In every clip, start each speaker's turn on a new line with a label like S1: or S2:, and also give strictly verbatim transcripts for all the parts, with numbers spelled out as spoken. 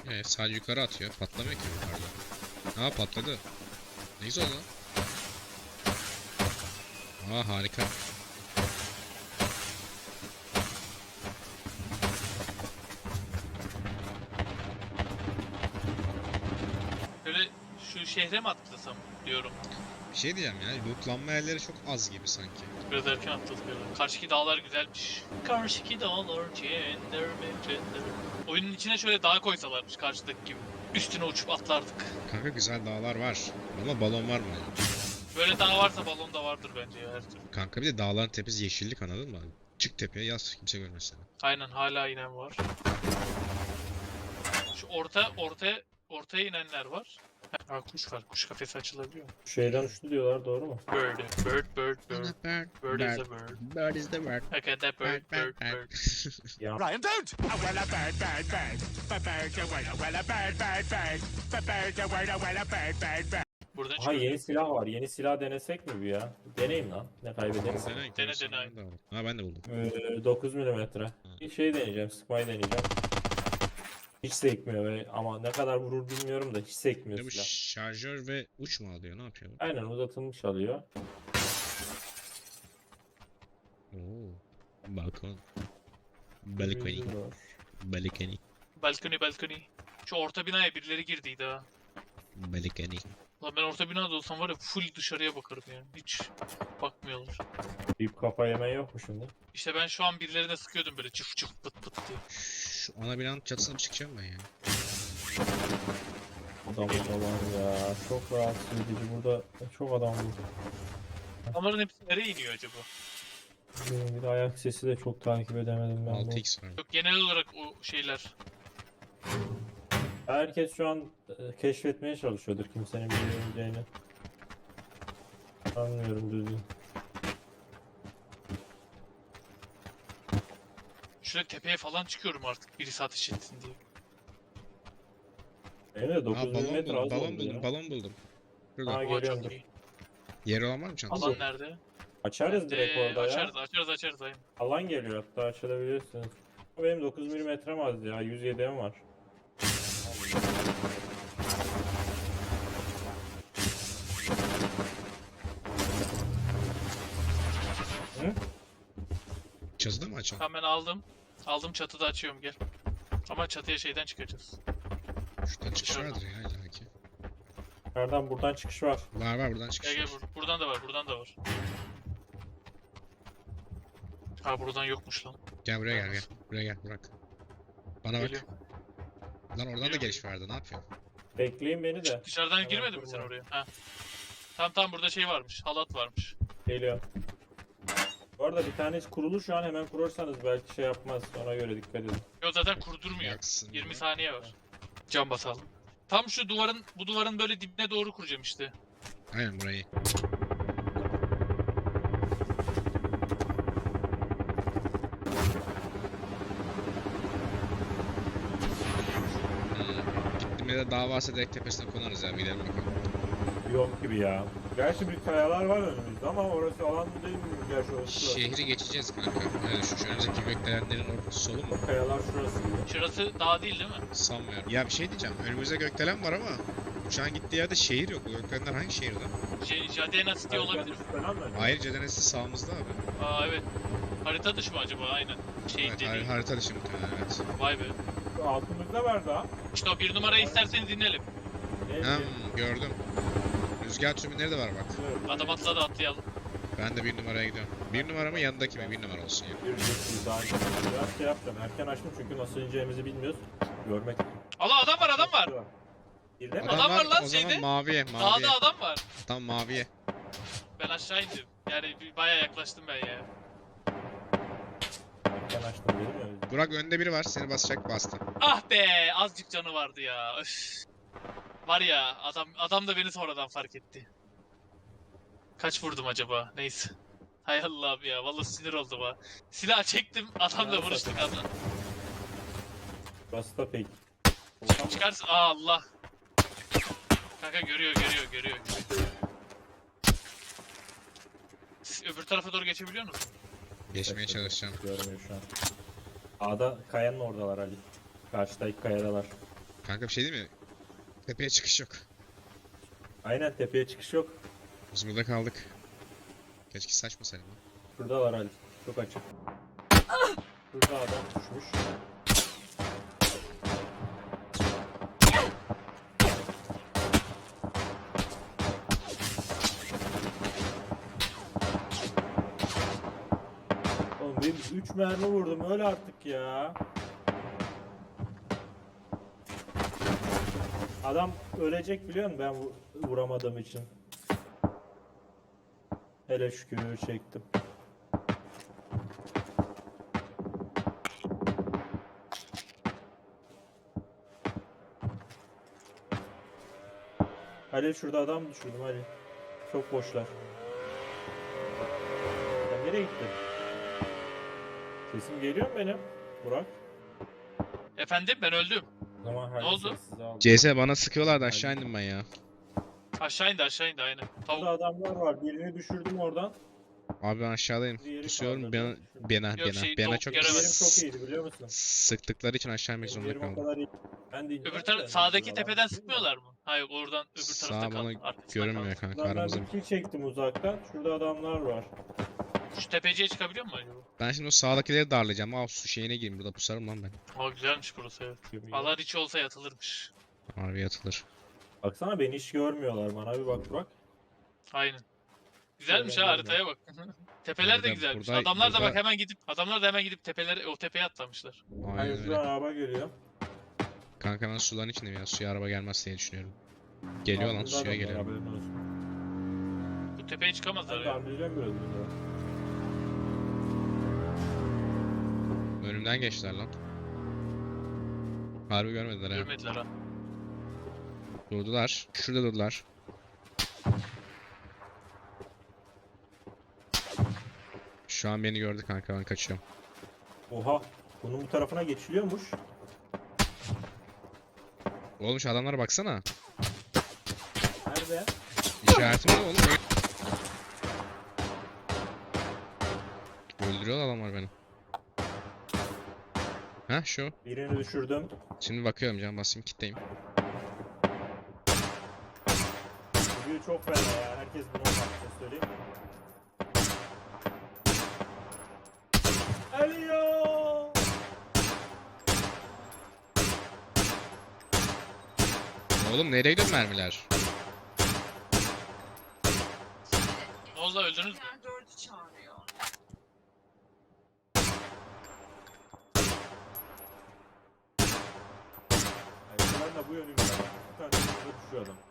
S1: Evet, sadece yukarı atıyor. Patlamıyor ki yukarıda. Aa, patladı. Ne güzel lan. Aa, harika.
S2: Böyle şu şehre mi atlasam diyorum.
S1: Bir şey diyeceğim ya. Lootlanma yerleri çok az gibi sanki.
S2: Biraz erken atladık böyle. Karşıki dağlar güzelmiş. Karşıki dağlar cender mi cender. Oyunun içine şöyle dağ koysalarmış karşıdaki gibi. Üstüne uçup atlardık.
S1: Kanka güzel dağlar var. Ama balon var mı?
S2: Böyle dağ varsa balon da vardır bence ya her türlü.
S1: Kanka bir de dağların tepesi yeşillik, anladın mı? Çık tepeye yaz, kimse görmez seni.
S2: Aynen hala inen var. Şu orta ortaya ortaya inenler var. Ha, kuş var. Kuş kafesi açılabiliyor.
S3: Şeyden uçtu diyorlar, doğru mu?
S2: Bird, bird, bird, bird.
S1: Bird,
S2: Bird is a bird.
S1: Bird is the word.
S2: Look at that bird, bird, bird.
S3: Ya
S4: Ryan, don't! Oh, well, a bird, bird, bird. A bird, a well, a well, a bird, bird, bird. A bird, a well, a well, a bird, bird, bird.
S2: Buradan
S3: aha,
S2: çıkıyor.
S3: yeni silah var. Yeni silah denesek mi bu ya? Deneyim lan. Ne kaybederiz?
S1: Dene,
S2: Dene,
S1: görürsün,
S2: dene.
S1: ben de aldım. Ha, ben de buldum.
S3: Ee, dokuz milimetre. Bir şey deneyeceğim. Sıkmayı deneyeceğim. Hiç sekmiyor ve ama ne kadar vurur bilmiyorum da hiç sekmiyor
S1: Ne bu,
S3: silah.
S1: şarjör ve uç mu alıyor? Ne yapıyor bu?
S3: Aynen uzatılmış alıyor.
S1: Oo. Balkon. Balkoni.
S3: Yüzü var.
S1: Balkoni.
S2: Balkoni, balkoni. Şu orta binaya birileri girdiydi ha.
S1: Balkoni.
S2: Lan ben orta binada olsam var ya full dışarıya bakarım yani. Hiç bakmıyorlar.
S3: Deyip kafa yemen yok mu şimdi?
S2: İşte ben şu an birilerine sıkıyordum böyle çıf çıf pıt pıt diye.
S1: Şu ana binanın çatısına bir çıkacağım ben ya.
S3: Adam da var ya. Çok rahatsız edici. Burada çok adam var.
S2: Adamların hepsi nereye iniyor acaba?
S3: Bir de ayak sesi de çok takip edemedim ben bu.
S1: altı x var.
S2: Yok genel olarak o şeyler.
S3: Herkes şu an e, keşfetmeye çalışıyordur kimsenin bilemeyeceğini. Anlıyorum düzgün.
S2: Şöyle tepeye falan çıkıyorum artık birisi ateş etsin diye.
S3: Benim de
S1: Aa,
S3: dokuz
S1: balon
S3: milimetre
S1: buldum,
S3: az
S1: balon
S3: oldu
S1: buldum,
S3: ya.
S1: balon buldum. Şurada.
S3: Ha,
S2: Aa,
S3: geliyorum,
S2: çok
S3: dur.
S2: iyi.
S1: Yeri olan var mı çantada?
S2: Alan nerede?
S3: Açarız direkt
S2: Ee,
S3: orada ya.
S2: açarız, açarız, açarız aynen.
S3: Alan geliyor hatta açılabilirsiniz. Benim dokuz milimetrem az ya. yüz yedi'm var. Hı?
S1: Çatıda mı açalım?
S2: Tamam ben aldım. Aldım çatıda açıyorum gel. Ama çatıya şeyden çıkacağız.
S1: Şuradan çıkış
S2: Dışarıdan.
S1: vardır ya illaki.
S3: Nereden buradan çıkış var.
S1: Var var, buradan çıkış
S2: Gel gel
S1: var.
S2: bur buradan da var, buradan da var. Ha buradan yokmuş lan.
S1: Gel buraya gel gel. Buraya gel Burak. Bana bak.
S2: Geliyor.
S1: Lan oradan da
S2: Geliyor,
S1: geliş vardı, ne yapıyorsun?
S3: Bekleyin beni de.
S2: Dışarıdan
S3: Hemen
S2: girmedin mi sen
S3: durma.
S2: oraya? Ha. Tamam tamam burada şey varmış, halat varmış.
S3: Geliyor. Bu arada bir tanesi kurulu şu an, hemen kurursanız belki şey yapmaz. Ona göre dikkat edin.
S2: Yo zaten kurdurmuyor.
S1: Yaksın
S2: yirmi
S1: ya.
S2: saniye var. Cam basalım. Tam şu duvarın, bu duvarın böyle dibine doğru kuracağım işte.
S1: Aynen burayı. Hmm. Gittiğimde de dağ varsa direkt tepesine konarız ya, bir gidelim bakalım.
S3: Yok gibi ya. Gerçi bir kayalar var önümüzde ama orası alan değil mi? Gerçi orası.
S1: Şehri geçeceğiz kanka. Öyle düşün. Şu önümüzdeki gökdelenlerin ortası solu mu?
S3: Kayalar şurası gibi.
S2: Şurası dağ değil değil mi?
S1: Sanmıyorum. Ya bir şey diyeceğim. Önümüzde gökdelen var ama uçağın gittiği yerde şehir yok. Bu gökdelenler hangi şehirde?
S2: J Jadena City olabilir.
S3: Falan mı?
S1: Hayır, Cedenesi sağımızda abi.
S2: Aa evet. Harita dışı mı acaba? Aynen. Şey
S1: Evet,
S2: dediği.
S1: har harita dışı muhtemelen, evet.
S2: Vay be.
S3: Altımızda var daha.
S2: İşte o bir numarayı isterseniz dinleyelim.
S3: Ne?
S1: Hmm, gördüm. Rüzgar türbinleri de var bak.
S2: Adam atladı atlayalım.
S1: Ben de bir numaraya gidiyorum. Bir numara mı, yanındaki mi? Bir numara olsun ya.
S3: Bir bir daha biraz şey yapacağım. Erken açtım çünkü nasıl ineceğimizi bilmiyoruz. Görmek.
S2: Allah adam var adam var.
S3: Girdi mi?
S1: Adam,
S2: Adam
S1: var,
S2: var lan
S1: o
S2: şeyde.
S1: zaman maviye, maviye.
S2: Dağda adam var.
S1: Tam maviye.
S2: Ben aşağı indim. Yani bir- bayağı yaklaştım ben ya.
S3: Erken açtım dedim ya.
S1: Burak, önde biri var, seni basacak, bastı.
S2: Ah be azıcık canı vardı ya. Öf. Var ya adam adam da beni sonradan fark etti. Kaç vurdum acaba? Neyse. Hay Allah'ım ya vallahi sinir oldum ha. Silah çektim adamla
S3: Nerede
S2: vuruştuk
S3: satın?
S2: adam.
S3: Burası da pek.
S2: Çıkarsın aa Allah. Kanka görüyor görüyor görüyor. Siz öbür tarafa doğru geçebiliyor musun?
S1: Geçmeye çalışacağım.
S3: Görmüyor şu an. A'da kayanın oradalar Ali. Karşıdaki kayadalar.
S1: Kanka bir şey değil mi? Tepeye çıkış yok.
S3: Aynen, tepeye çıkış yok.
S1: Biz burada kaldık. Keşke saçmasaydım lan.
S3: Şurada var Ali. Çok açık. Şurada adam düşmüş. Oğlum benim üç mermi vurdum, öyle artık ya. Adam ölecek biliyor musun ben vu- vuramadığım için. Hele şükür çektim. Ali şurada adam düşürdüm Ali. Çok boşlar. Sen nereye gittin? Sesim geliyor mu benim? Burak.
S2: Efendim ben öldüm.
S3: O zaman Halil
S2: oldu?
S3: sessiz aldı.
S1: C S bana sıkıyorlardı aşağı indim ben ya.
S2: Aşağı indi aşağı indi aynen.
S3: Burada
S2: Tavuk.
S3: adamlar var. Birini düşürdüm oradan.
S1: Abi ben aşağıdayım.
S3: Diğeri
S1: Pusuyorum
S3: kaldırdı.
S1: bana bana
S2: Yok
S1: bana
S2: şey,
S1: bana
S2: tavuk
S1: çok
S2: göremedim.
S3: Yerim çok iyiydi biliyor musun?
S1: sıktıkları için aşağı inmek
S3: Benim
S1: zorunda
S3: yerim o
S1: kaldım.
S3: kadar iyi. Ben de
S2: Öbür taraf sağdaki tepeden sıkmıyorlar mı? Hayır oradan öbür
S1: Sağ
S2: tarafta
S1: bana
S2: kaldı. Arkasında
S1: görünmüyor
S2: kaldı.
S1: kanka
S3: Buradan ben
S1: aramızda.
S3: bir kill çektim uzaktan. Şurada adamlar var.
S2: Şu tepeciye çıkabiliyor mu acaba?
S1: Ben şimdi o sağdakileri darlayacağım. Aa su şeyine gireyim burada pusarım lan ben.
S2: Aa güzelmiş burası evet. Alan içi olsa yatılırmış.
S1: Harbi atılır.
S3: Baksana beni hiç görmüyorlar. Bana bir bak Burak.
S2: Aynen. Güzelmiş ha
S3: Şöyle
S2: haritaya bak. Tepeler de
S1: Burada-
S2: güzelmiş.
S1: burada-
S2: adamlar da
S1: burada-
S2: bak hemen gidip adamlar da hemen gidip tepelere o tepeye atlamışlar.
S1: Aynen
S3: Hayır
S1: öyle.
S3: şuradan araba geliyor.
S1: Kanka ben suların içindeyim ya. Suya araba gelmez diye düşünüyorum. Geliyor lan
S3: Altında
S1: suya
S3: adamlar,
S1: geliyor.
S3: haberin olsun.
S2: Bu tepeye çıkamazlar
S3: Ben de
S2: ya.
S3: anlayacağım biraz bunları.
S1: Önümden geçtiler lan. Harbi görmediler ha.
S2: Görmediler ha.
S1: Durdular. Şurada durdular. Şu an beni gördü kanka ben kaçıyorum.
S3: Oha. Bunun bu tarafına geçiliyormuş.
S1: Oğlum şu adamlara baksana.
S3: Nerede?
S1: İşaretim ne oğlum? Öldürüyor adamlar beni. Ha şu.
S3: Birini düşürdüm.
S1: Şimdi bakıyorum can basayım kitleyim.
S3: Bugün çok fena ya. Herkes bunu olmak söyleyeyim. Ölüyor.
S1: Oğlum nereye gidiyor mermiler?
S2: Ne oldu lan, öldünüz mü?
S5: dördü çağırıyor.
S3: Ben de bu yönümde. Bir tane şurada düşüyor adam.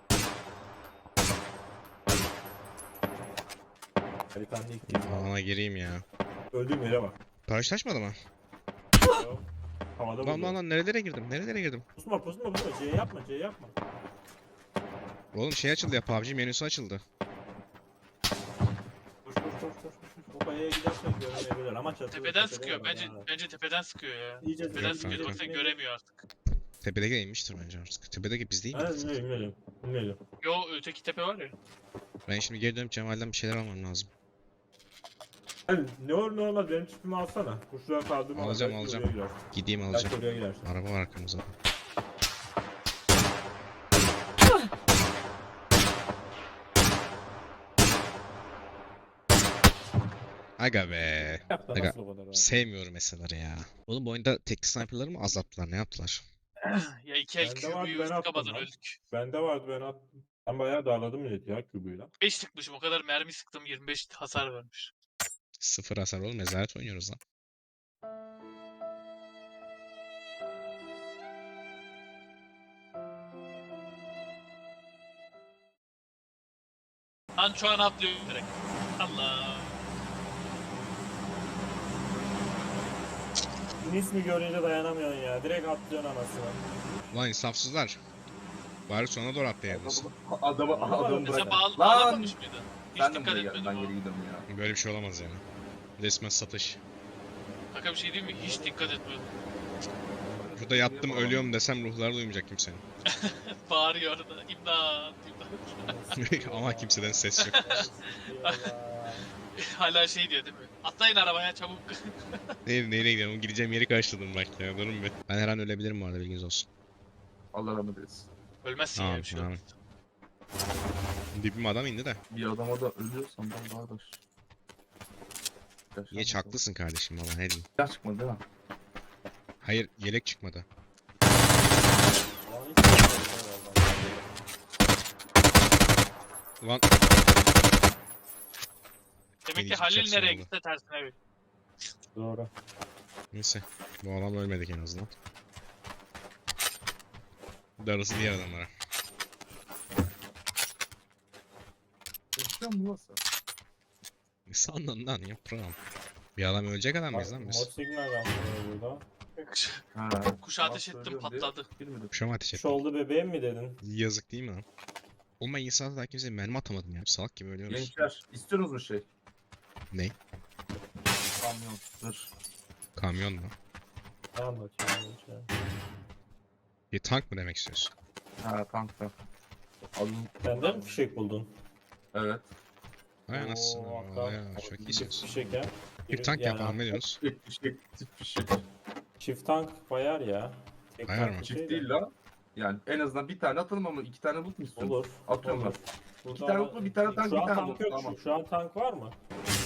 S3: Haritanın ilk değil.
S1: Alana gireyim ya.
S3: Öldüğüm yere bak.
S1: Karşılaşmadı mı?
S3: Havada
S1: Lan lan
S3: vurdu.
S1: lan nerelere girdim? Nerelere girdim?
S3: Pusma pusma pusma. C yapma C yapma.
S1: Oğlum şey açıldı ya P U B G menüsü açıldı.
S3: Koş koş koş koş. koş. O kayaya gidersen görmeyebilir ama çatıda.
S2: Tepeden
S3: tepede
S2: sıkıyor.
S3: var
S2: Bence
S3: ha.
S2: bence tepeden sıkıyor ya.
S3: İyice
S2: Tepeden
S1: Yok
S2: sıkıyor.
S1: kanka.
S2: Yoksa göremiyor artık.
S1: Tepedeki inmiştir bence artık. Tepedeki biz değil
S3: Ha
S1: miyiz?
S3: bilmiyorum bilmiyorum. Bilmiyorum.
S2: Yo öteki tepe var ya.
S1: Ben şimdi geri dönüp Cemal'den bir şeyler almam lazım.
S3: Yani ne olur ne olmaz benim çipimi alsana. Kuşlara kaldığım an
S1: Alacağım,
S3: belki
S1: alacağım.
S3: oraya girersin.
S1: Gideyim
S3: Belki
S1: alacağım.
S3: oraya girersin.
S1: Araba var arkamızda. Aga be.
S3: Yap da
S1: Aga,
S3: nasıl o kadar abi?
S1: Sevmiyorum eserleri ya. Oğlum bu oyunda tekli sniperları mı azalttılar? Ne yaptılar?
S2: Ya iki el
S3: Bende vardı,
S2: Q'yu
S3: ben attım
S2: sıkamadan
S3: lan.
S2: öldük.
S3: Bende vardı ben attım. Ben bayağı darladım milleti ya kübüyle.
S2: beş sıkmışım o kadar mermi sıktım yirmi beş hasar vermiş.
S1: Sıfır hasar oğlum. Ezalet oynuyoruz lan.
S2: Lan şu an atlıyorum direkt. Allah.
S3: İsmi görünce dayanamıyorsun ya. Direkt atlıyorsun anasını.
S1: Ulan insafsızlar. Bari sona doğru atlayaydınız.
S6: Adamı adamı
S2: Mesela
S6: bırak.
S2: bağ-
S6: Lan!
S2: bağlanmamış mıydı? Hiç
S6: Ben de
S2: dikkat
S6: buraya geldim.
S2: etmedim
S6: Ben
S2: ama.
S6: geri gidiyorum ya.
S1: Böyle bir şey olamaz yani. Resmen satış.
S2: Kanka bir şey diyeyim mi? Hiç dikkat etmedim.
S1: Burada yattım ölüyorum desem ruhları duymayacak kimsenin.
S2: Bağırıyor orada. İmdat, imdat.
S1: Ama kimseden ses yok.
S2: Hala şey diyor değil mi? Atlayın arabaya çabuk.
S1: Nereye, nereye gidiyorum? Gideceğim yeri karşıladım bak ya. Durun bir. Ben her an ölebilirim bu arada bilginiz olsun.
S5: Allah rahmet eylesin.
S2: Ölmezsin ya
S1: Tamam,
S2: bir şey
S1: tamam.
S2: olmaz.
S1: Dibim adam indi de.
S5: Bir adama da ölüyorsam ben daha da...
S1: Geç haklısın kardeşim valla ne diyeyim.
S5: Silah çıkmadı değil mi?
S1: Hayır yelek çıkmadı.
S3: Ulan hiç yok vallahi.
S1: Ulan
S2: Demek ki
S1: Yeni
S2: Halil
S1: çıkacaksın
S2: nereye
S1: oldu.
S2: gitse tersine bir.
S3: Doğru.
S1: neyse. Bu adam ölmedik en azından. Darısı diğer adamlara.
S5: Yaşıyor mu burası?
S1: Ne sandın lan yaprağım. Bir adam ölecek adam mıyız lan
S3: Mor
S1: biz?
S3: signal yapmıyor burada.
S5: Ha.
S2: Kuşa ateş
S5: Bak,
S2: ettim
S5: söylüyorum diye
S2: patladı.
S5: girmedi.
S1: Kuşama ateş
S3: Şu
S1: ettim.
S3: oldu bebeğim mi dedin?
S1: Yazık değil mi lan? Oğlum ben insanlara daha kimseye mermi atamadım ya. Salak gibi ölüyoruz.
S5: Gençler istiyorsunuz mu şey?
S1: Ne?
S5: Kamyon. Dur.
S1: Kamyon mu?
S3: Ne anlatıyorsun? Şey.
S1: Bir tank mı demek istiyorsun?
S5: Ha tank tank. Alın.
S3: Sen de mi fişek buldun?
S5: Evet.
S1: Hay anasını.
S3: Oo,
S1: Vay
S3: hakikaten.
S1: ya, çok
S3: Çift
S1: iyisiniz.
S3: fişek ya.
S1: Bir tank
S3: Yani
S1: yapalım ne diyorsunuz?
S5: Çift fişek. Çift fişek.
S3: Çift tank bayar ya. Tek
S1: Bayar
S3: tank
S1: mı?
S3: bir şey
S5: Çift
S3: de-
S5: değil la. Yani en azından bir tane atalım ama iki tane loot mu istiyorsun?
S3: Olur.
S5: Atıyorum
S3: olur.
S5: ben.
S3: Burada
S5: İki tane
S3: ama-
S5: mutlu, bir tane tank,
S3: Şu
S5: bir
S3: an
S5: tane
S3: tank
S5: mut,
S3: yok.
S5: tamam.
S3: Şu, şu an tank var mı?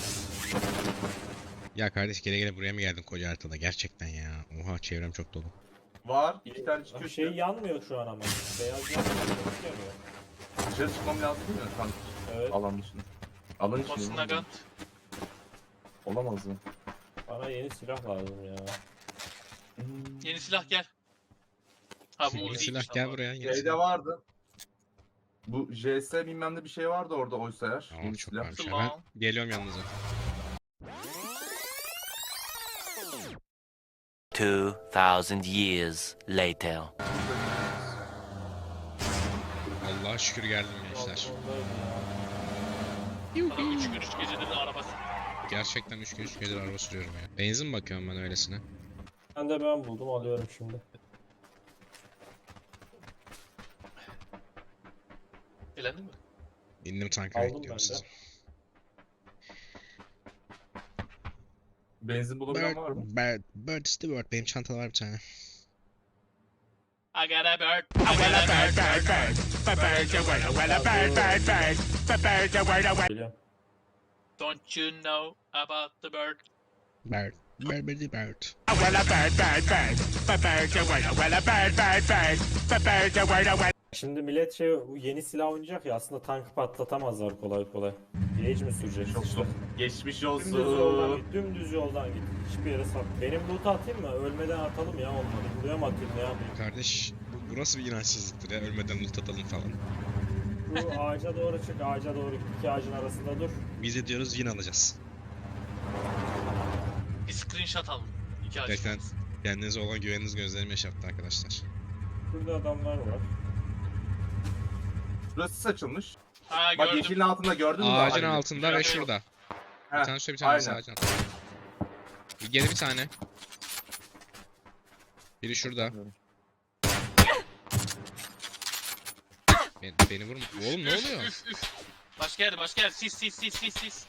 S1: Ya kardeş gele gele buraya mı geldin koca haritada? Gerçekten ya. Oha çevrem çok dolu.
S5: Var. İki tane çıkıyor.
S3: Bir şey yanmıyor şu an ama. Beyaz yanmıyor. yanmıyor.
S5: Dışarı çıkmam lazım değil mi? Tank
S3: Evet.
S5: alan dışına. Alan içinde.
S2: Basın
S5: oğlum.
S2: Nagant.
S5: Olamaz mı?
S3: Bana yeni silah lazım ya.
S2: Yeni silah gel. Ha bu
S1: Yeni
S2: Uzi'ymiş
S1: silah gel
S2: ama.
S1: buraya. yeni
S5: Şeyde
S1: silah.
S5: vardı. Bu J S bilmem ne bir şey vardı orada oysa eğer.
S1: Tamam
S5: Yeni
S1: çok
S5: silah.
S1: varmış ya. Ben
S2: Tamam.
S1: geliyorum yanınıza.
S6: Two thousand years later.
S1: Allah'a şükür geldim gençler.
S3: Balkondayım ya.
S2: Adam üç gün üç gecedir de arabası.
S1: Gerçekten üç gün üç gecedir araba sürüyorum ya. Benzin bakıyorum ben öylesine.
S3: Ben de ben buldum alıyorum şimdi.
S2: Elendin mi?
S1: İndim tanka
S3: Aldım
S1: bekliyorum
S3: ben de.
S1: sizi.
S5: Benzin bulabilen var mı?
S1: Bird, Bird Stewart benim çantada var bir tane.
S2: I got a bird. I
S4: Well,
S2: got
S4: a
S2: a
S4: bird,
S2: bird.
S4: bird, bird. A bird, a well, well, a bird, bird, bird. A bird, a well, a well.
S3: Geliyorum.
S2: Don't you know about the bird?
S1: Bird. Bird, bird, bird.
S4: Well, a bird, bird, bird. A bird, a well, well, a bird, bird, bird. A bird, a well, a well.
S3: Şimdi millet şey bu yeni silah oynayacak ya aslında tankı patlatamazlar kolay kolay. Gauge mi sürecek?
S5: Çok
S3: işte.
S5: zor. Geçmiş
S3: Dümdüz yoldan
S5: olsun.
S3: git, dümdüz yoldan git. Hiçbir yere sat. Benim loot'u atayım mı? Ölmeden atalım ya olmadı. Buraya mı atayım ne yapayım?
S1: Kardeş bu, bu nasıl bir inançsızlıktır ya ölmeden loot atalım falan.
S3: Bu ağaca doğru çık, ağaca doğru git. İki ağacın arasında dur.
S1: Biz de diyoruz win alacağız.
S2: Bir screenshot alın. İki ağaç.
S1: Gerçekten kendinize olan güveniniz gözlerimi yaşarttı arkadaşlar.
S3: Burada adamlar var.
S5: Burası saçılmış.
S2: Ha
S5: Bak
S2: gördüm.
S5: yeşilin altında gördün mü?
S1: Ağacın
S5: Halil'i?
S1: altında ve
S2: Şurada
S1: şurada. Bir
S5: Heh,
S1: tane şöyle bir tane
S5: aynen.
S1: ağacın altında. Bir geri bir tane. Biri şurada. Beni, beni vurma. Oğlum ne
S2: Üf,
S1: oluyor?
S2: Üf üf. Başka yer başka yer. Sis sis sis sis sis.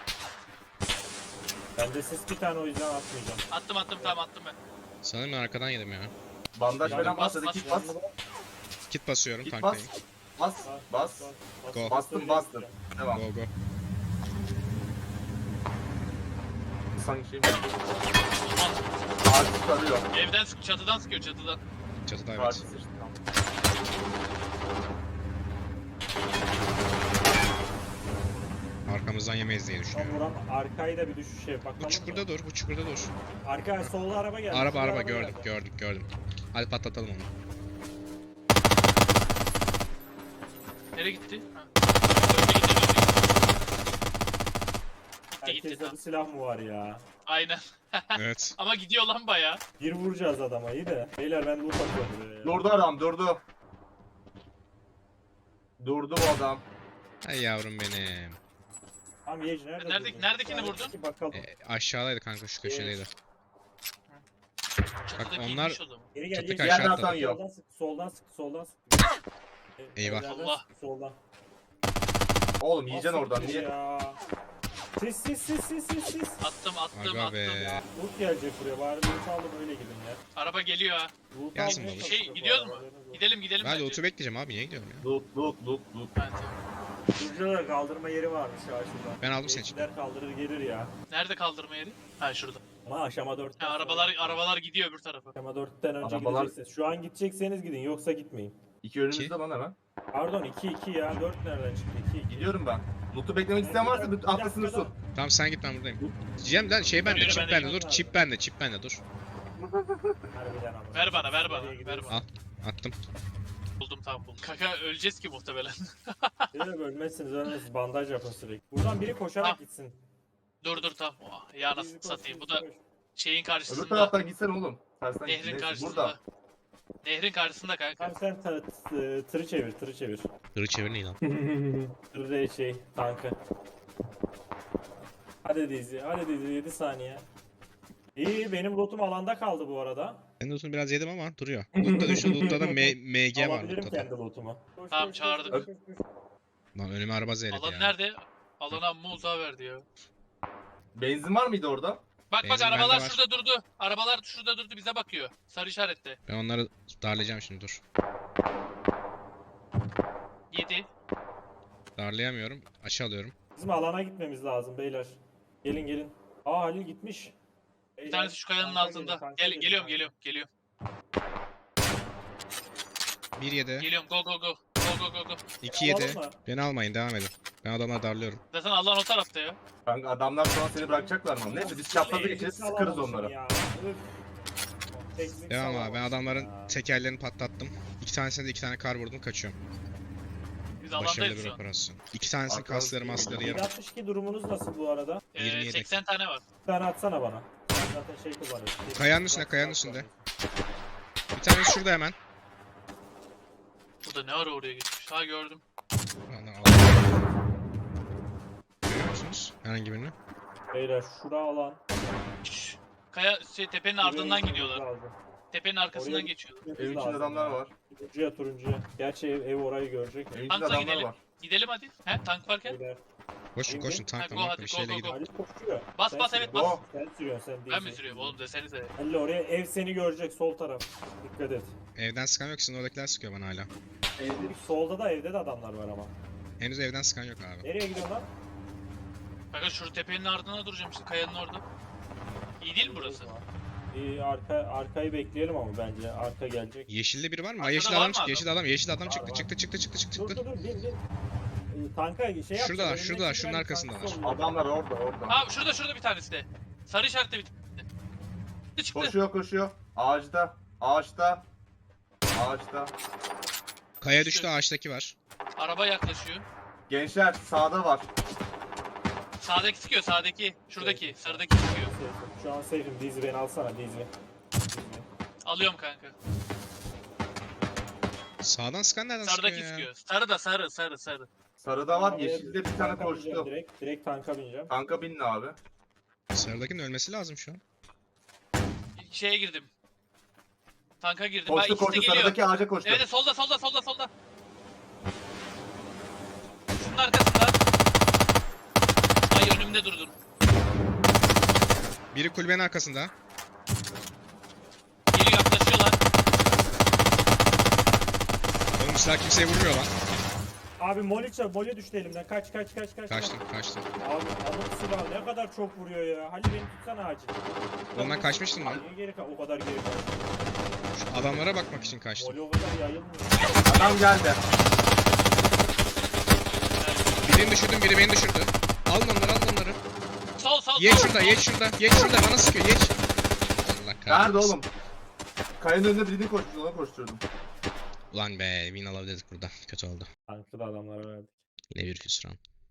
S3: Bende siz bir tane o yüzden atmayacağım.
S2: Attım attım tamam attım ben.
S1: Sanırım ben arkadan yedim ya.
S5: Bandaj
S3: Yani
S5: falan
S2: bas,
S5: bas hadi
S2: bas,
S5: kit bas.
S1: Kit basıyorum
S5: Kit bas.
S1: tanktayım.
S5: Bas. Bas.
S1: Go.
S5: Bastım bastım. Devam.
S1: Go go.
S5: Sanki şey mi? Ağacı sarıyor.
S2: Evden sık çatıdan sıkıyor çatıdan.
S1: Çatıda
S5: Ağacı
S1: evet.
S5: sıçtı. Tamam.
S1: Arkamızdan yemeyiz diye
S3: Tam
S1: düşünüyorum.
S3: vuran arkayı da bir düşüşe bakalım.
S1: Bu çukurda dur, bu çukurda dur.
S3: Arka solda araba geldi.
S1: Araba
S3: solda
S1: araba
S3: geldi.
S1: gördük gördük gördüm. Hadi patlatalım onu.
S2: Nereye gitti? Ha. Önce gitti, önce gitti. Gitti gitti
S3: Herkeste
S2: tamam.
S3: bir silah mı var ya?
S2: Aynen.
S1: Evet.
S2: Ama gidiyor lan baya.
S3: Bir vuracağız adama iyi de. Beyler ben loot atıyorum buraya ya.
S5: Durdu adam durdu. Durdu bu adam.
S1: Hay yavrum benim.
S3: Tamam Yej nerede
S2: Nerede-
S3: durdun?
S2: neredekini
S3: Yani
S2: vurdun?
S3: iki Bakalım.
S1: E, aşağıdaydı kanka şu köşedeydi.
S2: Çatıdaki
S1: onlar-
S2: inmiş o zaman.
S3: Geri gel
S1: Çatık
S3: Yej.
S1: aşağı
S5: Yerden
S1: atladı.
S5: atan yok.
S3: Soldan sık, soldan sık, soldan sık. E,
S1: Eyvah.
S3: evlerden
S2: Allah.
S3: sık, soldan.
S5: Oğlum yiyeceksin
S3: Nasıl
S5: oradan
S3: bir
S5: niye?
S3: Ya. Sis sis sis sis sis sis.
S2: Attım attım
S1: Aga be.
S2: attım.
S3: Loot gelecek buraya. Bari loot aldım öyle gidin ya.
S2: Araba geliyor ha.
S3: Loot
S1: Gelsin
S3: almaya
S1: baba.
S2: Şey,
S3: çalıştık
S2: gidiyoruz
S3: bu
S2: mu?
S3: arada, haberiniz olsun.
S2: Gidelim gidelim
S1: Ben
S2: bence.
S1: loot'u bekleyeceğim abi niye gidiyorum ya?
S5: Loot loot loot loot.
S2: Ha, tamam.
S3: Şurada da kaldırma yeri varmış ya şurada.
S1: Ben aldım senin için.
S3: Gençler kaldırır gelir ya.
S2: Nerede kaldırma yeri? Ha şurada.
S3: Ama aşama dörtten
S2: Ha,
S3: sonra-
S2: arabalar arabalar gidiyor öbür tarafa.
S3: Aşama dörtten önce
S5: Arabalar-
S3: gideceksiniz. Şu an gidecekseniz gidin yoksa gitmeyin.
S5: İki önümüzde lan hemen.
S3: Pardon iki iki ya. dört nereden çıktı? iki iki.
S5: Gidiyorum ben. Loot'u beklemek isteyen varsa loot atlasın su.
S1: Tamam sen git ben buradayım. Cem lan şey bende,
S2: Yürü,
S1: çip
S2: ben de
S1: bende dur,
S3: gidiyorum
S1: çip
S3: abi.
S1: bende, çip bende dur.
S3: Harbiden ama.
S2: Ver bana ver bana
S3: Nereye
S2: ver
S3: gidiyoruz?
S2: bana.
S1: Al. Attım.
S2: Buldum tamam buldum. Kaka öleceğiz ki muhtemelen.
S3: Yok ölmezsiniz ölmezsiniz. Bandaj yapın sürekli. Buradan biri koşarak
S2: Tamam.
S3: gitsin.
S2: dur dur tamam. Oh, ya
S3: Biri
S2: nasıl
S3: koşsun,
S2: satayım. Bu
S3: biri
S2: da
S3: koş.
S2: şeyin
S5: Öbür
S2: karşısında.
S5: taraftan gitsen oğlum. Tersten git.
S2: Nehrin
S5: Neyse,
S2: karşısında.
S5: burada.
S2: Nehrin karşısında kanka.
S3: Tamam sen ta- t- tırı çevir tırı çevir.
S1: Hırı çevir neyi lan?
S3: Tır değil şey tankı. Hadi dizi hadi dizi yedi saniye. İyi benim lootum alanda kaldı bu arada.
S1: Ben de loot'unu biraz yedim ama duruyor. Loot'ta düştü, loot'ta da M- MG var
S3: Alabilirim
S1: loot'ta da.
S3: kendi lootumu. Koş,
S2: Tamam,
S3: koş, koş,
S2: çağırdım.
S3: koş, koş, koş.
S1: Lan önüme araba zeyredi
S2: Alan
S1: ya.
S2: nerede? Alana amma uzağa verdi ya.
S5: Benzin var mıydı orada?
S2: Bak bak
S1: Benzin bende
S2: arabalar
S1: var.
S2: şurada durdu. Arabalar şurada durdu bize bakıyor. Sarı işarette.
S1: Ben onları darlayacağım şimdi dur.
S2: yedi.
S1: Darlayamıyorum. Açı alıyorum.
S3: Bizim alana gitmemiz lazım beyler. Gelin gelin. Aa Halil gitmiş.
S2: Bir tanesi şu kayanın altında. Gel geliyorum geliyorum geliyorum.
S1: bir yedi.
S2: Geliyorum go go go. Go go go go.
S1: iki yedi. Beni almayın devam edin. Ben adamları darlıyorum.
S2: Zaten Allah'ın o tarafta ya.
S5: Kanka adamlar şu an seni bırakacaklar mı? Neyse biz çaprazda geçeriz sıkarız onları.
S1: Devam abi ben adamların tekerlerini patlattım. İki tanesine de iki tane kar vurdum kaçıyorum.
S2: Biz
S1: Başarılı
S2: alandayız
S1: bir
S2: şu an.
S1: operasyon. İki tanesinin
S5: Arkadan
S1: kasları
S5: sıkıyor.
S1: masları yarım.
S3: yedi altmış iki durumunuz nasıl bu arada?
S2: Ee,
S1: yirmi yedi.
S2: seksen tane var.
S3: Bir tane atsana bana. Sen zaten şey kullanıyorsun.
S1: Kayanın üstünde, kayanın üstünde. Bir tanesi şurada hemen.
S2: Bu da ne ara oraya gitmiş. Ha gördüm.
S1: Lan, al. Görüyor musunuz herhangi birini?
S3: Beyler şura alan.
S2: Şşş. Kaya şey, tepenin ardından
S3: Buraya
S2: gidiyorlar.
S3: gitmemiz lazım.
S2: Tepenin arkasından
S3: Oraya-
S2: geçiyorlar.
S3: Gitmemiz
S5: Evin içinde
S3: lazım
S5: adamlar
S3: ya.
S5: var.
S3: Turuncuya turuncuya. Gerçi ev, ev orayı görecek.
S5: Evin içinde
S2: Tankla
S5: adamlar
S2: gidelim.
S5: var.
S2: Gidelim hadi. He tank varken.
S3: Beyler.
S1: Koşun
S3: Şimdi-
S1: koşun
S2: Ha,
S1: tankla
S2: go
S1: makla
S2: hadi,
S1: bir
S2: go,
S1: şeyle
S2: go,
S1: gidin.
S2: go.
S3: Halil koşuyor.
S2: Bas,
S3: Sen
S2: bas,
S3: sürüyorsun.
S2: evet, bas.
S3: Sen sürüyorsun sen değil.
S2: Ben mi sürüyorum oğlum desenize.
S3: Halil oraya ev seni görecek sol taraf. Dikkat et.
S1: Evden sıkan yok sizin oradakiler sıkıyor bana hala.
S3: Evde, solda da evde de adamlar var ama.
S1: Henüz evden sıkan yok abi.
S3: Nereye gidiyorsun lan?
S2: Kanka şu tepenin ardına duracağım işte kayanın orada. İyi değil mi burası?
S3: İyi arka arkayı bekleyelim ama bence arka gelecek.
S1: Yeşilde biri var mı? Ha,
S2: Arkada
S1: yeşil
S2: var
S1: adam
S2: mı
S1: çıktı,
S2: adam?
S1: yeşil adam, yeşil adam
S3: Var,
S1: çıktı,
S3: var.
S1: çıktı, çıktı, çıktı, çıktı,
S3: Dur
S1: çıktı.
S3: dur dur bin bin. Ee, Tanka şey yapacağız.
S1: Şuradalar,
S3: önündeki
S1: şuradalar,
S3: bir
S1: şunun
S3: tane
S1: arkasındalar.
S3: tankı oluyor.
S5: Adamlar orada orada.
S2: Ha şurada şurada bir tanesi de. Sarı işaretli bir tanesi. Çıktı.
S5: Koşuyor koşuyor. Ağaçta. Ağaçta. Ağaçta.
S1: Kaya düştü, ağaçtaki var.
S2: Araba yaklaşıyor.
S5: Gençler sağda var.
S2: Sağdaki sıkıyor sağdaki. Şuradaki sarıdaki sıkıyor.
S3: Safe'im. Şu an safe'im. Dizi beni alsana Dizi. Dizi.
S2: Alıyorum kanka.
S1: Sağdan sıkan nereden
S2: Sarıdaki
S1: sıkıyor ya?
S2: sıkıyor. Sarı da sarı sarı sarı.
S5: Sarıda var.
S3: Oraya
S5: Yeşilde bir tane
S3: tanka
S5: koştu.
S3: bineceğim Direkt, direkt tanka bineceğim.
S5: Kanka binin abi.
S1: Sarıdakinin ölmesi lazım şu an.
S2: Şeye girdim. Tanka girdim.
S5: Koştu
S2: Bak ikisi de
S5: koştu
S2: geliyor.
S5: sarıdaki ağaca koştu.
S2: Evet solda solda solda solda. Şunun arkasında. Ay önümde durdun.
S1: Biri kulübenin arkasında.
S2: Geliyor yaklaşıyorlar.
S1: Oğlum silah kimseye vurmuyor lan.
S3: Abi moli çal, moli düştü elimden. Kaç kaç kaç kaç.
S1: Kaçtım, kaçtım.
S3: Abi alıp silah ne kadar çok vuruyor ya. Halil beni tutsana acil.
S1: Oğlum ben kaçmıştım lan.
S3: Niye geri kal? O kadar geri kal.
S1: Şu adamlara bakmak için kaçtım.
S3: Moli o kadar yayılmıyor.
S5: Adam geldi.
S1: Birini düşürdüm, biri beni düşürdü. Alın onları, alın onları.
S2: Sol sol
S1: Geç
S2: sol,
S1: şurada,
S2: sol.
S1: geç şurada, geç şurada. Bana sıkıyor, geç. Allah kahretsin.
S5: Nerede oğlum? Kayanın önünde birini koşturdu ona koşturdum.
S1: Ulan be, win alabilirdik burada. Kötü oldu.
S3: Tanklı da adamlara verdik.
S1: Ne bir hüsran.